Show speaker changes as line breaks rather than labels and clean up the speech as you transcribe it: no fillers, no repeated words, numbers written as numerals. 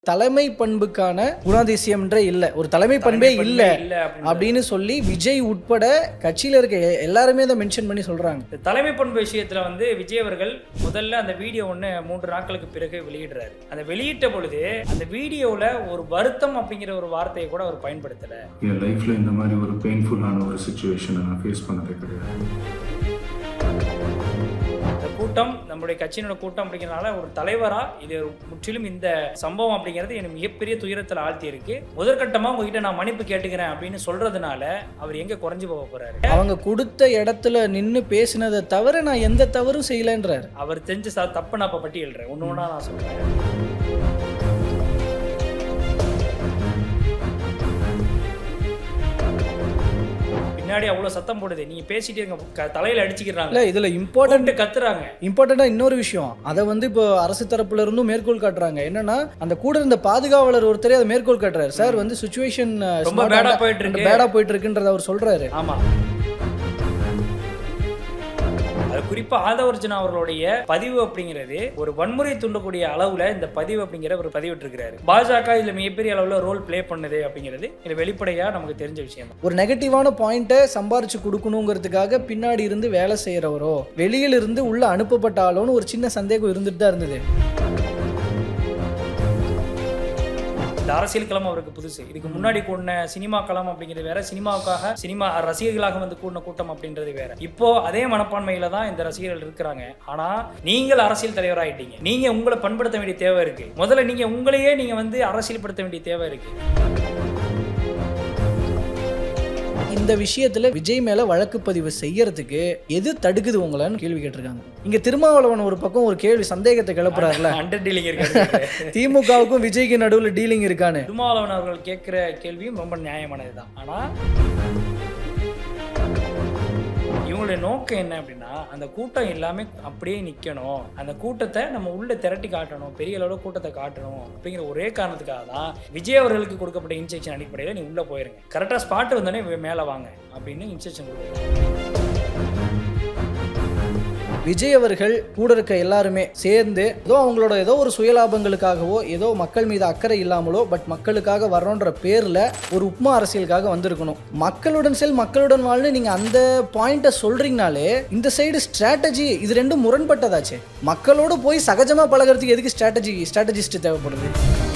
தலைமை பண்புக்கான குணாதிசயம்ன்றே இல்லை, ஒரு தலைமை பண்பே இல்லை அப்படின்னு சொல்லி விஜய் உட்பட கட்சியில் இருக்க எல்லாருமே அதை மென்ஷன் பண்ணி சொல்றாங்க.
தலைமை பண்பு விஷயத்துல வந்து விஜய் அவர்கள் முதல்ல அந்த வீடியோ 3 நாட்களுக்கு பிறகு வெளியிடுறாரு. அந்த வெளியிட்ட பொழுது அந்த வீடியோல ஒரு வருத்தம் அப்படிங்கிற ஒரு வார்த்தையை கூட அவர் பயன்படுத்தல.
என் லைஃப்ல இந்த மாதிரி ஒரு பெயின்ஃபுல்லான ஒரு சிச்சுவேஷனை நான் ஃபேஸ் பண்ணதே கிடையாது.
கூட்டம் நம்முடைய கட்சியினோட கூட்டம் அப்படிங்கிறனால ஒரு தலைவரா இது முற்றிலும் இந்த சம்பவம் அப்படிங்கிறது எனக்கு மிகப்பெரிய துயரத்தில் ஆழ்த்தி இருக்கு. முதற்கட்டமா உங்ககிட்ட நான் மன்னிப்பு கேட்டுக்கிறேன் அப்படின்னு சொல்றதுனால அவர் எங்க குறைஞ்சு போக போறாரு?
அவங்க கொடுத்த இடத்துல நின்று பேசினதை தவிர நான் எந்த தவறும் செய்யலன்றார்.
அவர் செஞ்ச தப்பு நான் இப்ப பட்டியல்றேன், ஒன்று ஒன்றா நான் சொல்றேன். பின்னாடி அவ்வளவு சத்தம் போடுது, நீங்க பேசிட்டே இருக்க, தலையில அடிச்சுக்கிறாங்க.
இதுல இம்பார்ட்டன்ட்
கத்துறாங்க.
இம்பார்ட்டண்டா இன்னொரு விஷயம், அதை வந்து இப்போ அரசு தரப்புல இருந்தும் மேற்கோள் காட்டுறாங்க. என்னன்னா அந்த கூட இருந்த பாதுகாவலர் ஒருத்தரே அதை மேற்கோள் காட்டுறாரு. சார் வந்து சிச்சுவேஷன்
ரொம்ப பேடா போயிட்டு
இருக்குன்றத அவர் சொல்றாரு.
ஆமா, குறிப்பா ஆதவர்ஜுனா அவர்களுடைய பதிவு அப்படிங்கிறது ஒரு வன்முறை தூண்டக்கூடிய அளவுல இந்த பதிவு அப்படிங்கிற ஒரு பதிவிட்டு இருக்கிறாரு. பாஜக இதுல மிகப்பெரிய அளவுல ரோல் பிளே பண்ணுது அப்படிங்கிறது இது வெளிப்படையா நமக்கு தெரிஞ்ச விஷயம்.
ஒரு நெகட்டிவான பாயிண்ட்டை சம்பாரிச்சு கொடுக்கணுங்கிறதுக்காக பின்னாடி இருந்து வேலை செய்யறவரோ வெளியில இருந்து உள்ள அனுப்பப்பட்டாலோன்னு ஒரு சின்ன சந்தேகம் இருந்துட்டு தான் இருந்தது.
இந்த அரசியல் களம் அவருக்கு புதுசு. இதுக்கு முன்னாடி கூடின சினிமா களம் அப்படிங்கிறது வேற, சினிமாவுக்காக சினிமா ரசிகர்களாக வந்து கூடின கூட்டம் அப்படின்றது வேற. இப்போ அதே மனப்பான்மையில தான் இந்த ரசிகர்கள் இருக்கிறாங்க. ஆனா நீங்கள் அரசியல் தலைவராயிட்டீங்க, நீங்க உங்களை பண்படுத்த வேண்டிய தேவை இருக்கு. முதல்ல நீங்க உங்களையே நீங்க வந்து அரசியல்படுத்த வேண்டிய தேவை இருக்கு.
இந்த விஷயத்துல விஜய் மேல வழக்கு பதிவு செய்யறதுக்கு எது தடுக்குது உங்களான்னு கேள்வி கேட்டிருக்காங்க. இங்க திருமாவளவன் ஒரு பக்கம் ஒரு கேள்வி சந்தேகத்தை கிளப்புறாருல,
அண்டர் டீலிங் இருக்காரு.
திமுகவுக்கும் விஜய்க்கு நடுவில் டீலிங் இருக்கான்னு
திருமாவளவன் அவர்கள் கேட்கிற கேள்வியும் ரொம்ப நியாயமானதுதான். ஆனா இவங்களுடைய நோக்கம் என்ன அப்படின்னா, அந்த கூட்டம் எல்லாமே அப்படியே நிக்கணும், அந்த கூட்டத்தை நம்ம உள்ள திரட்டி காட்டணும், பெரிய அளவில் கூட்டத்தை காட்டணும் அப்படிங்கிற ஒரே காரணத்துக்காக தான் விஜய் அவர்களுக்கு கொடுக்கப்பட்ட இன்ஸ்ட்ரக்ஷன் அடிப்படையில் நீ உள்ள போயிருங்க, கரெக்டா ஸ்பாட் வந்தோடனே மேலே வாங்க அப்படின்னு இன்ஸ்ட்ரக்ஷன் கொடுக்குறாங்க.
விஜய் அவர்கள் கூட இருக்க எல்லாருமே சேர்ந்து ஏதோ அவங்களோட ஏதோ ஒரு சுயலாபங்களுக்காகவோ ஏதோ மக்கள் மீது அக்கறை இல்லாமலோ பட் மக்களுக்காக வர்றோன்ற பேரில் ஒரு உப்மா அரசியலுக்காக வந்திருக்கணும். மக்களுடன் செல் மக்களுடன் வாழ்னு நீங்கள் அந்த பாயிண்ட்டை சொல்கிறீங்கனாலே இந்த சைடு ஸ்ட்ராட்டஜி இது ரெண்டும் முரண்பட்டதாச்சு. மக்களோடு போய் சகஜமாக பழகிறதுக்கு எதுக்கு ஸ்ட்ராட்டஜிஸ்ட் தேவைப்படுது?